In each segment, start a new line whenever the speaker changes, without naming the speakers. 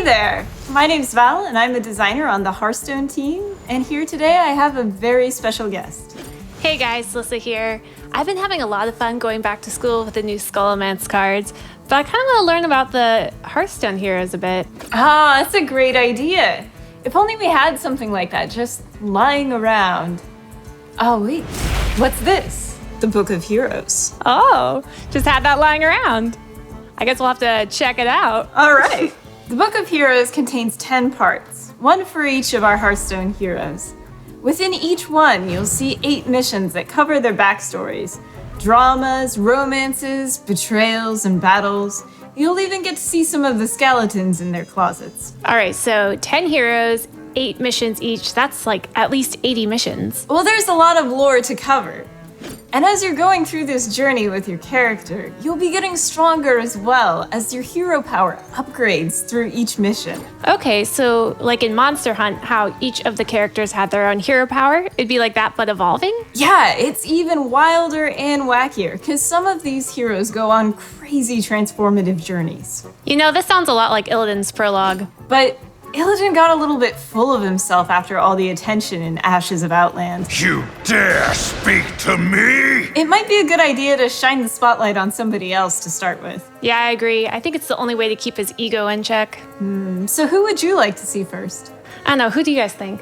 there! My name's Val, and I'm a designer on the Hearthstone team. And here today I have a very special guest.
Hey guys, Lissa here. I've been having a lot of fun going back to school with the new Scholomance cards, but I kind of want to learn about the Hearthstone heroes a bit.
Ah, that's a great idea. If only we had something like that just lying around. Oh wait, what's this? The Book of Heroes.
Oh, just had that lying around. I guess we'll have to check it out.
All right. The Book of Heroes contains 10 parts, one for each of our Hearthstone heroes. Within each one, you'll see 8 missions that cover their backstories. Dramas, romances, betrayals, and battles. You'll even get to see some of the skeletons in their closets.
All right, so 10 heroes, 8 missions each. That's like at least 80 missions.
Well, there's a lot of lore to cover. And as you're going through this journey with your character, you'll be getting stronger as well as your hero power upgrades through each mission.
Okay, so like in Monster Hunt, how each of the characters had their own hero power, it'd be like that but evolving?
Yeah, it's even wilder and wackier, because some of these heroes go on crazy transformative journeys.
You know, this sounds a lot like Illidan's prologue.
But Illidan got a little bit full of himself after all the attention in Ashes of Outland.
You dare speak to me?
It might be a good idea to shine the spotlight on somebody else to start with.
Yeah, I agree. I think it's the only way to keep his ego in check.
So who would you like to see first?
I don't know, who do you guys think?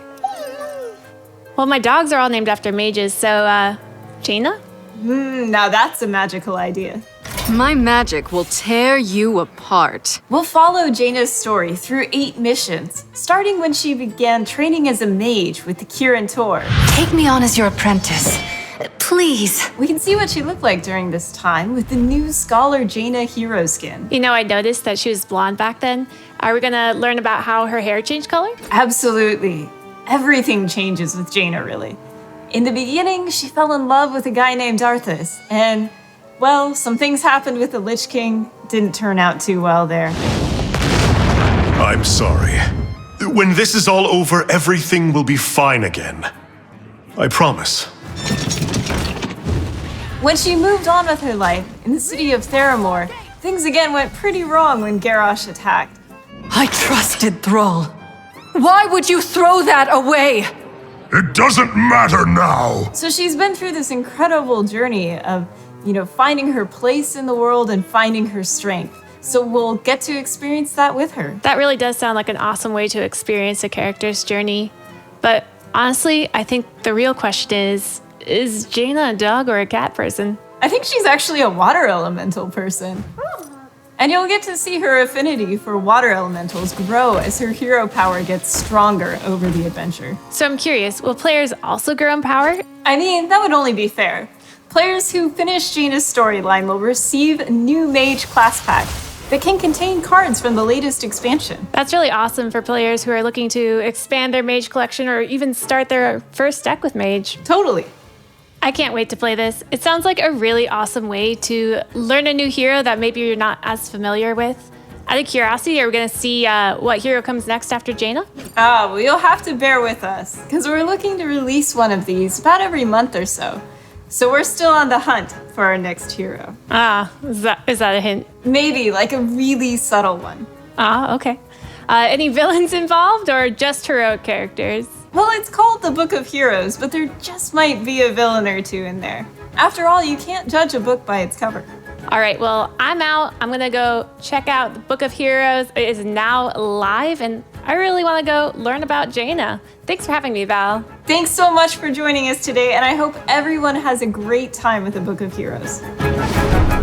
Well, my dogs are all named after mages, so, Jaina?
Now that's a magical idea.
My magic will tear you apart.
We'll follow Jaina's story through 8 missions, starting when she began training as a mage with the Kirin Tor.
Take me on as your apprentice. Please.
We can see what she looked like during this time with the new Scholar Jaina hero skin.
You know, I noticed that she was blonde back then. Are we gonna learn about how her hair changed color?
Absolutely. Everything changes with Jaina, really. In the beginning, she fell in love with a guy named Arthas, and, well, some things happened with the Lich King. Didn't turn out too well there.
I'm sorry. When this is all over, everything will be fine again. I promise.
When she moved on with her life in the city of Theramore, things again went pretty wrong when Garrosh attacked.
I trusted Thrall. Why would you throw that away?
It doesn't matter now.
So she's been through this incredible journey of, finding her place in the world and finding her strength. So we'll get to experience that with her.
That really does sound like an awesome way to experience a character's journey. But honestly, I think the real question is Jaina a dog or a cat person?
I think she's actually a water elemental person. And you'll get to see her affinity for water elementals grow as her hero power gets stronger over the adventure.
So I'm curious, will players also grow in power?
I mean, that would only be fair. Players who finish Jaina's storyline will receive a new mage class pack that can contain cards from the latest expansion.
That's really awesome for players who are looking to expand their mage collection or even start their first deck with mage.
Totally.
I can't wait to play this. It sounds like a really awesome way to learn a new hero that maybe you're not as familiar with. Out of curiosity, are we going to see what hero comes next after Jaina?
Well, you'll have to bear with us, because we're looking to release one of these about every month or so. So we're still on the hunt for our next hero.
Is that a hint?
Maybe, like a really subtle one.
Okay. Any villains involved or just heroic characters?
Well, it's called the Book of Heroes, but there just might be a villain or two in there. After all, you can't judge a book by its cover.
All right, well, I'm out. I'm going to go check out the Book of Heroes. It is now live, and I really want to go learn about Jaina. Thanks for having me, Val.
Thanks so much for joining us today, and I hope everyone has a great time with the Book of Heroes.